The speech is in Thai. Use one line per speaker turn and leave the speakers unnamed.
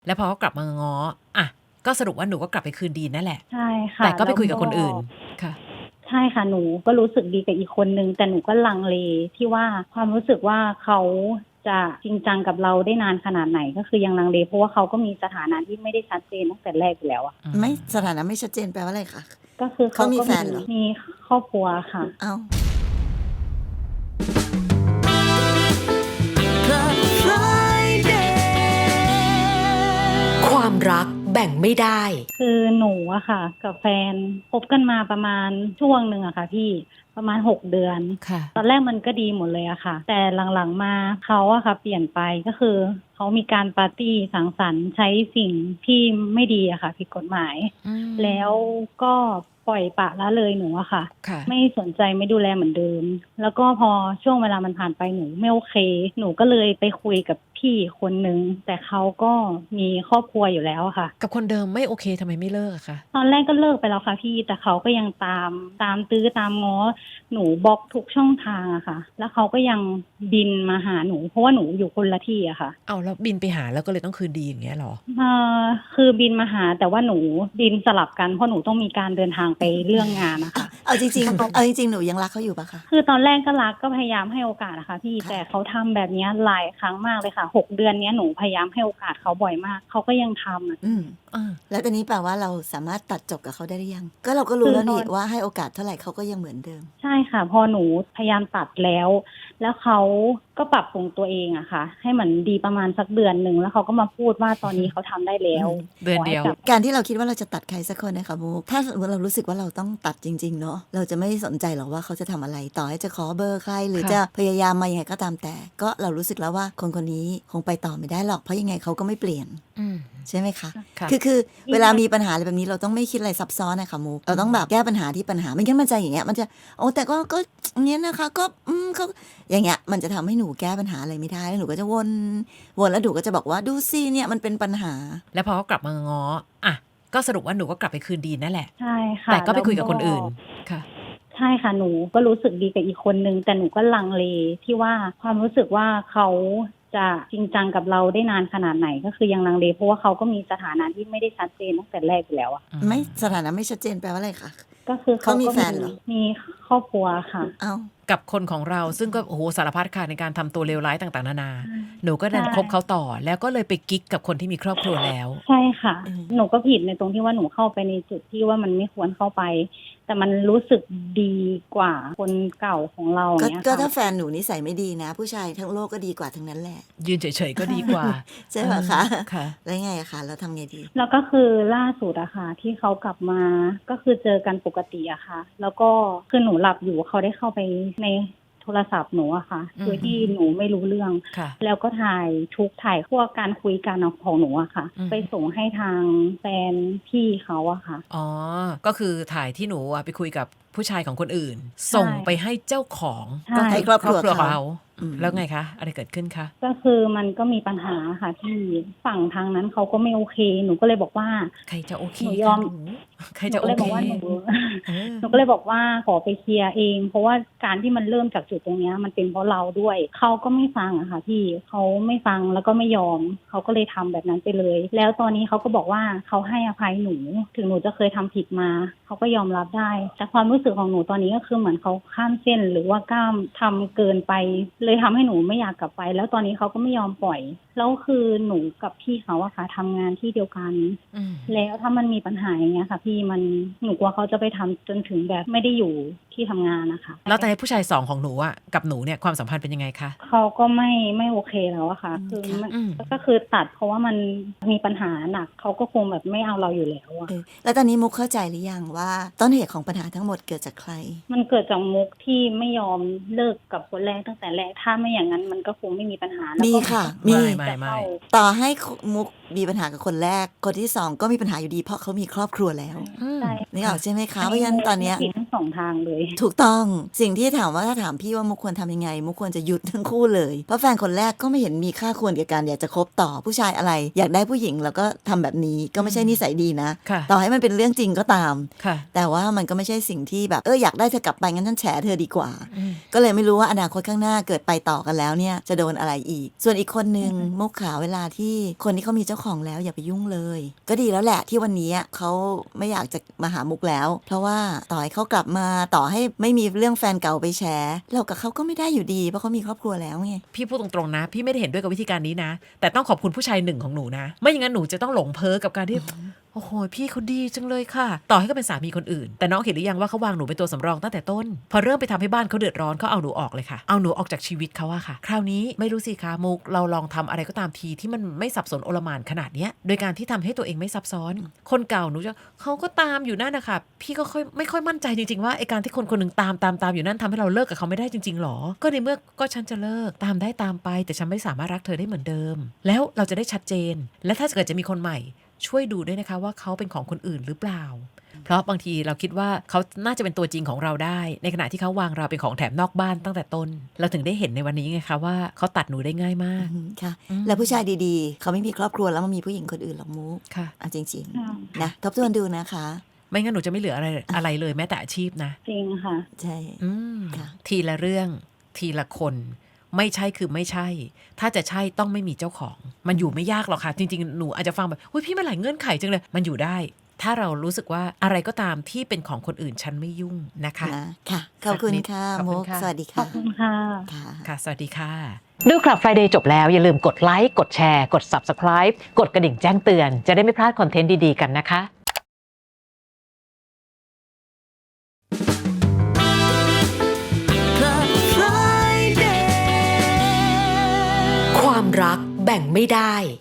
แล้วพอเขากลับมาง้ออ่ะก็สรุปว่าหนูก็กลับไปคืนดีนั่นแหละ
ใช่ค่ะ
แต่ก็ไป
แล้ว
คุยกับ
ก็
คนอื่นค่ะ
ใช่ค่ะหนูก็รู้สึกดีกับอีกคนนึงแต่หนูก็ลังเลที่ว่าความรู้สึกว่าเขาจะจริงจังกับเราได้นานขนาดไหนก็คือยังลังเลเพราะว่าเขาก็มีสถานะที่ไม่ได้ชัดเจนตั้งแต่แรกอยู่แล้วอะ
ไม่สถานะไม่ชัดเจนแปลว่าอะไรคะ
ก็คือเขา
เขามี
ก็
แฟนเหรอ
มีครอบครัวค่ะ
เอ้า
ความรักแบ่งไม่ได้
คือหนูอะค่ะกับแฟนคบกันมาประมาณช่วงหนึ่งอะค่ะพี่ประมาณ6 เดือน
ค่ะ
ตอนแรกมันก็ดีหมดเลยอะค่ะแต่หลังๆมาเขาอะค่ะเปลี่ยนไปก็คือเขามีการปาร์ตี้สังสรรค์ใช้สิ่งที่ไม่ดีอะค่ะผิดกฎหมายแล้วก็ปล่อยปละละเลยหนูอะค่ะไม่สนใจไม่ดูแลเหมือนเดิมแล้วก็พอช่วงเวลามันผ่านไปหนูไม่โอเคหนูก็เลยไปคุยกับพี่คนนึงแต่เขาก็มีครอบครัวอยู่แล้วอะค่ะ
กับคนเดิมไม่โอเคทำไมไม่เลิกอะคะ
ตอนแรกก็เลิกไปแล้วค่ะพี่แต่เขาก็ยังตามตื้อตามง้อหนูบล็อกทุกช่องทางอะค่ะแล้วเขาก็ยังบินมาหาหนูเพราะว่าหนูอยู่คนละที่อะค่ะ
เอาแล้วบินไปหาแล้วก็เลยต้องคืนดีอย่างเงี้ยหรอ
คือบินมาหาแต่ว่าหนูบินสลับกันเพราะหนูต้องมีการเดินทางไปเรื่องงานนะคะ
เอาจริงๆเอาจริงๆหนูยังรักเขาอยู่ปะคะ
คือตอนแรกก็รักก็พยายามให้โอกาสนะคะพี่แต่เขาทำแบบนี้หลายครั้งมากเลยค่ะ6 เดือนนี้หนูพยายามให้โอกาสเขาบ่อยมากเขาก็ยังทำ
แล้วตอนนี้แปลว่าเราสามารถตัดจบกับเขาได้หรือยังก็เราก็รู้แล้วนี่ว่าให้โอกาสเท่าไหร่เขาก็ยังเหมือนเดิม
ใช่ค่ะพอหนูพยายามตัดแล้วเขาก็ปรับปรุงตัวเองอะค่ะให้เหมือนดีประมาณสักเดือนหนึ่งแล้วเขาก็มาพูดว่าตอนนี้เขาทำได้แล้ว
เดือนเดียว
การที่เราคิดว่าเราจะตัดใครสักคนนะคะมุกถ้าสมมติเรารู้สึกว่าเราต้องตัดจริงๆเนาะเราจะไม่สนใจหรอกว่าเขาจะทำอะไรต่อให้จะขอเบอร์ใครหรือจะพยายามมายังไงก็ตามแต่ก็เรารู้สึกแล้วว่าคนคนนี้คงไปต่อไม่ได้หรอกเพราะยังไงเขาก็ไม่เปลี่ยนใช่ไหมคะคือเวลามีปัญหาอะไรแบบนี้เราต้องไม่คิดอะไรซับซ้อนนะคะมุกเราต้องแบบแก้ปัญหาที่ปัญหาไม่งั้นมันจะอย่างเงี้ยมันจะโอ้แต่ก็อย่างเงี้ยนะคะก็เขาอย่างเงี้ยมันจะทำให้หนูแก้ปัญหาอะไรไม่ได้แล้วหนูก็จะวนแล้วหนูก็จะบอกว่าดูสิเนี่ยมันเป็นปัญหา
แล้วพอเขากลับมาง้ออ่ะก็สรุปว่าหนูก็กลับไปคืนดีนั่นแหละ
ใช่ค่ะ
แต่ก็ไปคุยกับคนอื่นค่ะ
ใช่ค่ะหนูก็รู้สึกดีกับอีกคนนึงแต่หนูก็ลังเลที่ว่าความรู้สึกว่าเขาจะจริงจังกับเราได้นานขนาดไหนก็คือยังลังเลเพราะว่าเขาก็มีสถานะที่ไม่ได้ชัดเจนตั้งแต่แรกอยู่แล้วอะ
ไม่สถานะไม่ชัดเจนแปลว่าอะไรคะ
ก็คือ
เขามีแฟนเหรอ
มีครอบครัวค่ะ
เอ้า
กับคนของเราซึ่งก็โอ้โหสารพัดค่ะในการทำตัวเลวร้ายต่างๆนานาหนูก็ดันคบเขาต่อแล้วก็เลยไปกิ๊กกับคนที่มีครอบครัวแล้ว
ใช่ค่ะหนูก็ผิดในตรงที่ว่าหนูเข้าไปในจุดที่ว่ามันไม่ควรเข้าไปแต่มันรู้สึกดีกว่าคนเก่าของเราอย่างเงี้ย
ก็ถ้าแฟนหนูนิสัยไม่ดีนะผู้ชายทั้งโลกก็ดีกว่าทั้งนั้นแหละ
ยืนเฉยๆก็ดีกว่า
ใช่ไหมคะ
ค่ะ
แล้วไงอะคะแล้วทำไงดี
แล้วก็คือล่าสุดอะค่ะที่เขากลับมาก็คือเจอกันปกติอะค่ะแล้วก็คือหนูหลับอยู่เขาได้เข้าไปในโทรศัพท์หนูอะค่ะโดยที่หนูไม่รู้เรื่องแล้วก็ถ่ายพวกการคุยกันของหนูอะค่ะไปส่งให้ทางแฟนพี่เขาอะค่ะ
อ๋อก็คือถ่ายที่หนูไปคุยกับผู้ชายของคนอื่นส่งไปให้เจ้าของ
ก็ให้ครอบครัวเขา
แล้วไงคะอะไรเกิดขึ้นคะ
ก็คือมันก็มีปัญหาค่ะที่ฝั่งทางนั้นเขาก็ไม่โอเคหนูก็เลยบอกว่า
ใครจะโอเค
หนูยอม
ใครจะโอเค
หนูก็เลยบอกว่าขอไปเคลียร์เองเพราะว่าการที่มันเริ่มจากจุดตรงนี้มันเป็นเพราะเราด้วยเขาก็ไม่ฟังอะค่ะพี่เขาไม่ฟังแล้วก็ไม่ยอมเขาก็เลยทำแบบนั้นไปเลยแล้วตอนนี้เขาก็บอกว่าเขาให้อภัยหนูถึงหนูจะเคยทำผิดมาเขาก็ยอมรับได้แต่ความรู้สึกของหนูตอนนี้ก็คือเหมือนเขาข้ามเส้นหรือว่ากล้ามทำเกินไปเลยทำให้หนูไม่อยากกลับไปแล้วตอนนี้เขาก็ไม่ยอมปล่อยแล้วคือหนูกับพี่เขาอะค่ะทำงานที่เดียวกันแล้วถ้ามันมีปัญหาอย่างเงี้ยค่ะพี่มันหนูกลัวเขาจะไปทำจนถึงแบบไม่ได้อยู่ที่ทำงานนะคะ
แล้วแต่ผู้ชาย2ของหนูอะกับหนูเนี่ยความสัมพันธ์เป็นยังไงคะ
เขาก็ไม่โอเคแล้วอะค่ะคือก็คือตัดเพราะว่ามันมีปัญหาหนักเขาก็คงแบบไม่เอาเราอยู่แล้วอะ
แล้วตอนนี้มุกเข้าใจหรือยังว่าต้นเหตุของปัญหาทั้งหมดเกิดจากใคร
มันเกิดจากมุกที่ไม่ยอมเลิกกับคนแรกตั้งแต่แรกถ้าไม่อย่างนั้นมันก็คงไม่มีปัญหา
มีค่ะ
มี
ต่อให้มุกมีปัญหากับคนแรกคนที่2ก็มีปัญหาอยู่ดีเพราะเขามีครอบครัวแล้วนี่ออกใช่ไหมคะเพราะฉะนั้นตอนนี้
ผิดทั้ง2ทางเลย
ถูกต้องสิ่งที่ถามว่าถ้าถามพี่ว่ามุกควรทำยังไงมุกควรจะหยุดทั้งคู่เลยเพราะแฟนคนแรกก็ไม่เห็นมีค่าควรกับการอยากจะคบต่อผู้ชายอะไรอยากได้ผู้หญิงแล้วก็ทำแบบนี้ก็ไม่ใช่นิสัยดีนะ
ค่ะ
ต่อให้มันเป็นเรื่องจริงก็ตาม
ค่ะ
แต่ว่ามันก็ไม่ใช่สิ่งที่แบบอยากได้เธอกลับไปงั้นฉันแฉเธอดีกว่า
อืม
ก็เลยไม่รู้ว่าอนาคตข้างหน้าเกิดไปต่อกันแล้วเนี่ยจะโดนอะไรอีก ส่วนอีกคนนึงมุกขาเวลาที่คนที่เขามีเจ้าของแล้วอย่าไปยุ่งเลย ก็ดีแล้วแหละที่วันนี้เขาไม่อยากจะมาหามุกแล้ว เพราะว่าต่อให้เขากลับมาต่อให้ไม่มีเรื่องแฟนเก่าไปแชร์เรากับเขาก็ไม่ได้อยู่ดีเพราะเขามีครอบครัวแล้วไง
พี่พูดตรงๆนะ พี่ไม่ได้เห็นด้วยกับวิธีการนี้นะ แต่ต้องขอบคุณผู้ชายหนึ่งของหนูนะ ไม่อย่างนั้นหนูจะต้องหลงเพ้อกับการที่ โอ้โหพี่เขาดีจังเลยค่ะ ต่อให้เขาเป็นสามีคนอื่น แต่น้องเห็นหรือยังว่าเขาวางหนูเป็นตัวสำรองตั้งแต่ต้น พอเริ่มไปทำให้บ้านเขาเดือดร้อนเขาเอาหนูออกเลยค่ะ เอาหนูออกจากชีวิตเขาอะค่ะ คราวนี้ไม่รู้สิคะมุกเราลองทำอะไรก็ตามทีที่มันไม่สับสนโอลหม่านขนาดเนี้ยโดยการที่ทำให้ตัวเองไม่ซับซ้อน คนเก่าหนูจะเขาก็ตามอยู่นั่นนะคะพี่ก็ไม่ค่อยมั่นใจจริงๆว่าไอการที่คนคนหนึ่งตามอยู่นั่นทำให้เราเลิกกับเขาไม่ได้จริงๆหรอก็ในเมื่อก็ฉันจะเลิกตามได้ตามไปแต่ฉันไม่สามารถรักเธอได้เหมือนเดิม แล้วเราจะได้ชัดเจนและถ้าเกิดจะมีคนใหม่ช่วยดูด้วยนะคะว่าเขาเป็นของคนอื่นหรือเปล่า เพราะบางทีเราคิดว่าเขาน่าจะเป็นตัวจริงของเราได้ในขณะที่เขาวางเราเป็นของแถมนอกบ้านตั้งแต่ต้นเราถึงได้เห็นในวันนี้ไงคะว่าเขาตัดหนูได้ง่ายมาก
ค่ะ
อืม
แล้วผู้ชายดีๆเขาไม่มีครอบครัวแล้วมันมีผู้หญิงคนอื่นหรอกมุก
ค่ะ
จริง
ค่ะ
ๆนะทบทวนดูนะคะ
ไม่งั้นหนูจะไม่เหลืออะไรเลยแม้แต่อาชีพนะ
จริงค่ะ
ใช่
อืม
ค่ะ
ทีละเรื่องทีละคนไม่ใช่คือไม่ใช่ ถ้าจะใช่ต้องไม่มีเจ้าของ มันอยู่ไม่ยากหรอกค่ะ จริงๆหนูอาจจะฟังแบบอุ้ยพี่มันหลายเงื่อนไขจังเลยมันอยู่ได้ ถ้าเรารู้สึกว่าอะไรก็ตามที่เป็นของคนอื่นฉันไม่ยุ่งนะคะ
นะค่ะขอบคุณค่ะ
ขอบคุณ
มุก
ค่ะ
สวัสดี
ขอบ
ค่ะ
คุณค่ะ
ค่ะ
ค่ะสวัสดีค่ะ
ดูคลับ Friday จบแล้วอย่าลืมกดไลค์กดแชร์กด Subscribe กดกระดิ่งแจ้งเตือนจะได้ไม่พลาดคอนเทนต์ดีๆกันนะคะ
ความรักแบ่งไม่ได้